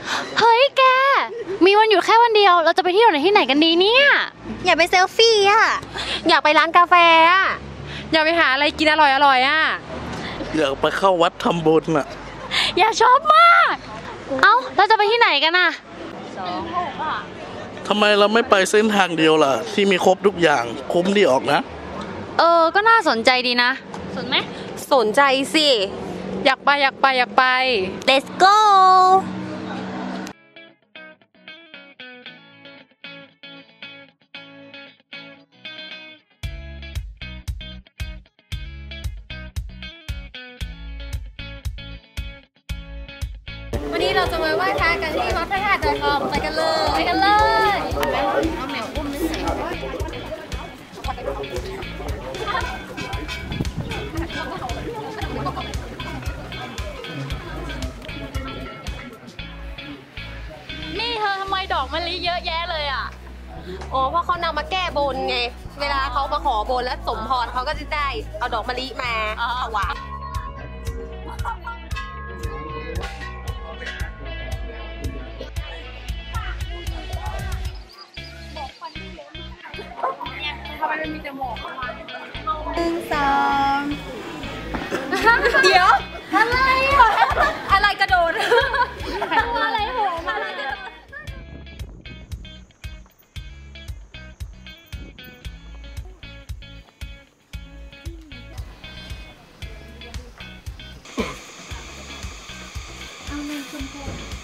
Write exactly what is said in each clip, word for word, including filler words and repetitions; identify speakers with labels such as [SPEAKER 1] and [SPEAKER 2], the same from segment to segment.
[SPEAKER 1] เฮ้ยแกมีวันหยุดแค่วันเดียวเราจะไปเที่ยวไหนที่ไหนกันดีเนี่ย
[SPEAKER 2] อยากไปเซลฟี่อ่ะอยากไปร้านกาแฟอ่ะ
[SPEAKER 3] อยากไปหาอะไรกินอร่อยอร่อยอ่ะ
[SPEAKER 4] อยากไปเข้าวัดทำบุญอ่ะ
[SPEAKER 1] อยากชอบมากเอ้าเราจะไปที่ไหนกันอ่ะ
[SPEAKER 4] ทำไมเราไม่ไปเส้นทางเดียวล่ะที่มีครบทุกอย่างคุ้มดีออกนะ
[SPEAKER 1] เออก็น่าสนใจดีนะสนไหม
[SPEAKER 2] สนใจสิ
[SPEAKER 3] อยากไปอยากไปอยากไป
[SPEAKER 2] Let's goวันนี้เราจะมาไหว้พระกันที่วัดพระธาตุดอยทองไปกันเลยไปกันเลยเอาแมวอุ้มไม่ใส่
[SPEAKER 1] นี่เธอทำไมดอกมะลิเยอะแยะเลยอ่ะ
[SPEAKER 2] โอ้เพราะเขานำมาแก้บนไงเวลาเขามาขอบนแล้วสมพรเขาก็จะได้เอาดอกมะลิมาถวายทำไมมันมีแต่หมอกหนึ่งสองเดี๋ยวอะไรอ่ะอะไรกระโดดอะไรโหมาเอาเงินชมพู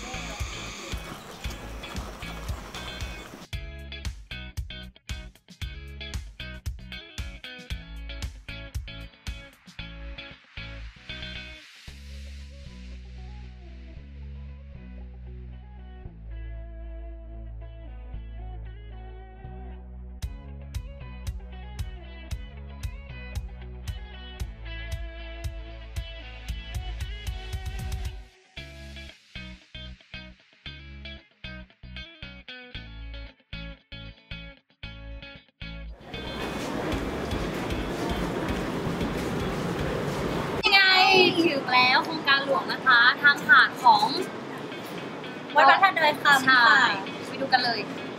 [SPEAKER 1] ถึงแล้วโครงการหลวงนะคะทางผ่านของ
[SPEAKER 2] วัดพระธาตุดอยคำค่ะ
[SPEAKER 1] ไปดูกันเลย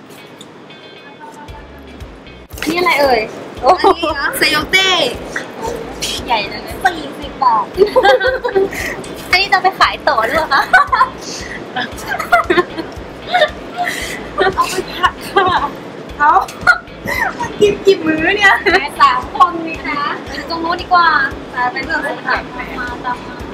[SPEAKER 1] อันนี้อะไรเอ่ย
[SPEAKER 2] อันนี้นะเซโยเต้
[SPEAKER 1] ใหญ่เลย
[SPEAKER 2] สี่สิบบาทอันนี้จะไปขายต่อหรือเปล่าคะเอาไปผัดค่ะเอามันกินกี่มื้อเนี่ยสามคนนี่คะ
[SPEAKER 1] ไปดูตรงโน้นดีกว่า
[SPEAKER 2] ไปเรื่องสถาน
[SPEAKER 1] มาตามมา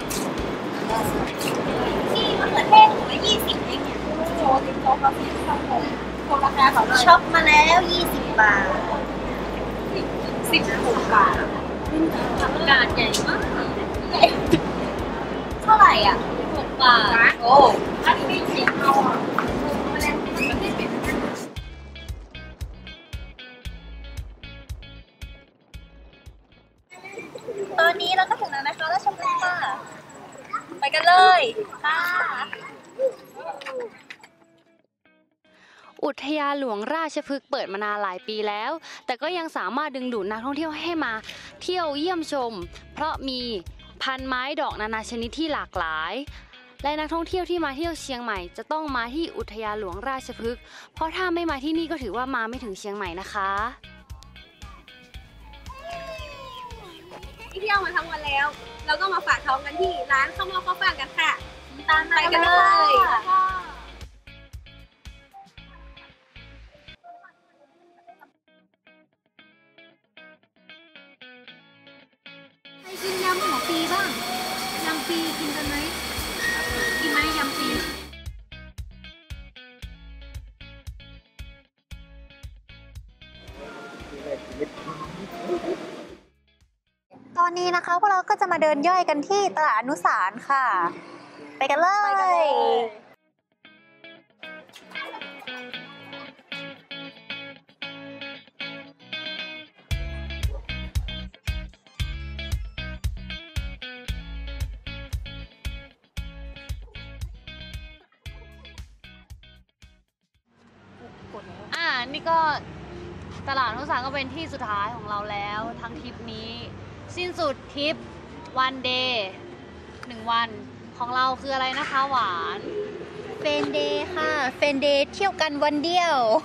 [SPEAKER 2] ที่มะเขือเทศถุงละยี่สิบเองเนี่ยโชว์ติ๊กต๊อกเขาที่ช่องผมโชว์ราคาเขาเลยช็อปมาแล้วยี่สิบบาทสิบหกบาท
[SPEAKER 1] ผักกาดใหญ่มาก
[SPEAKER 2] เท่าไหร่อ่ะ
[SPEAKER 1] หกบาท
[SPEAKER 2] โอ้อันนี้เสียงเอาอ่ะตอนนี้เราก็ถึงแล้วนะคะราชบุรีค่ะไปกันเลยค่ะ
[SPEAKER 1] อุทยานหลวงราชพฤกษ์เปิดมานานหลายปีแล้วแต่ก็ยังสามารถดึงดูดนักท่องเที่ยวให้มาเที่ยวเยี่ยมชมเพราะมีพันไม้ดอกนานาชนิดที่หลากหลายและนักท่องเที่ยวที่มาเที่ยวเชียงใหม่จะต้องมาที่อุทยานหลวงราชพฤกษ์เพราะถ้าไม่มาที่นี่ก็ถือว่ามาไม่ถึงเชียงใหม่นะคะ
[SPEAKER 2] เที่ยวมาทั้งวันแล้วเราก็มาฝากท้องกันที่ร้านข้าวหม้อข้าวฟ่างกันค่ะตามไปกันเลยใครกินยำหัวปีบ้างยำปีกินกันไหมกินไหมยำปีตอนนี้นะคะพวกเราก็จะมาเดินย่อยกันที่ตลาดอนุสารค่ะไปกันเลย
[SPEAKER 1] อ่านี่ก็ตลาดอนุสารก็เป็นที่สุดท้ายของเราแล้วทั้งทริปนี้สิ้นสุดทริปวันเดย์หนึ่งวันของเราคืออะไรนะคะหวาน
[SPEAKER 2] เฟนเดย์ค่ะเฟนเดย์เที่ยวกันวันเดียว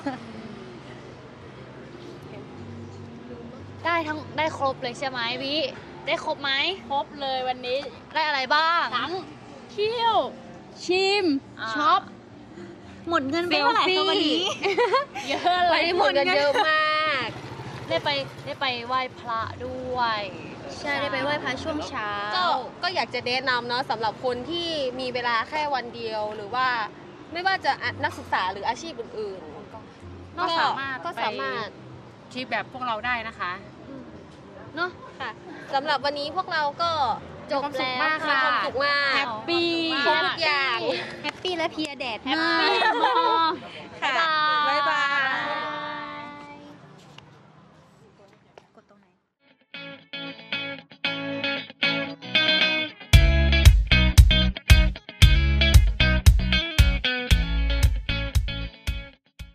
[SPEAKER 1] ได้ทั้งได้ครบเลยใช่ไหมวิได้ครบไหม
[SPEAKER 3] ครบเลยวันนี้
[SPEAKER 1] ได้อะไรบ้าง
[SPEAKER 3] ทั้งเที่ยว ชิม
[SPEAKER 1] อ่า
[SPEAKER 3] ช็อป
[SPEAKER 2] หมดเงินไปเท่าไหร่คะวันนี้
[SPEAKER 3] เยอะเลยหมดเงินเยอะมาก
[SPEAKER 1] ได้ไปได้ไปไหว้พระด้วย
[SPEAKER 2] ใช่ได้ไปไหว้พระช่วงเช้า
[SPEAKER 5] ก็ก็อยากจะแนะนำเนาะสำหรับคนที่มีเวลาแค่วันเดียวหรือว่าไม่ว่าจะนักศึกษาหรืออาชีพอื่นๆ
[SPEAKER 3] ก็สามารถ
[SPEAKER 5] ก็สามารถ
[SPEAKER 3] ทริปแบบพวกเราได้นะคะ
[SPEAKER 1] เนาะ
[SPEAKER 5] ค่ะสำหรับวันนี้พวกเราก็จบ
[SPEAKER 3] มีความสุ
[SPEAKER 5] แล้
[SPEAKER 3] ข
[SPEAKER 5] ว
[SPEAKER 3] มาก
[SPEAKER 5] มี
[SPEAKER 3] ค่ะ
[SPEAKER 5] ความสุขมาก
[SPEAKER 3] แฮปปี้
[SPEAKER 5] ครบทุกอย่าง
[SPEAKER 2] แฮปปี้และเพลียแดด
[SPEAKER 1] แฮป
[SPEAKER 2] มาก
[SPEAKER 1] ปี้มาก
[SPEAKER 5] ค่ะ
[SPEAKER 1] บ๊ายบา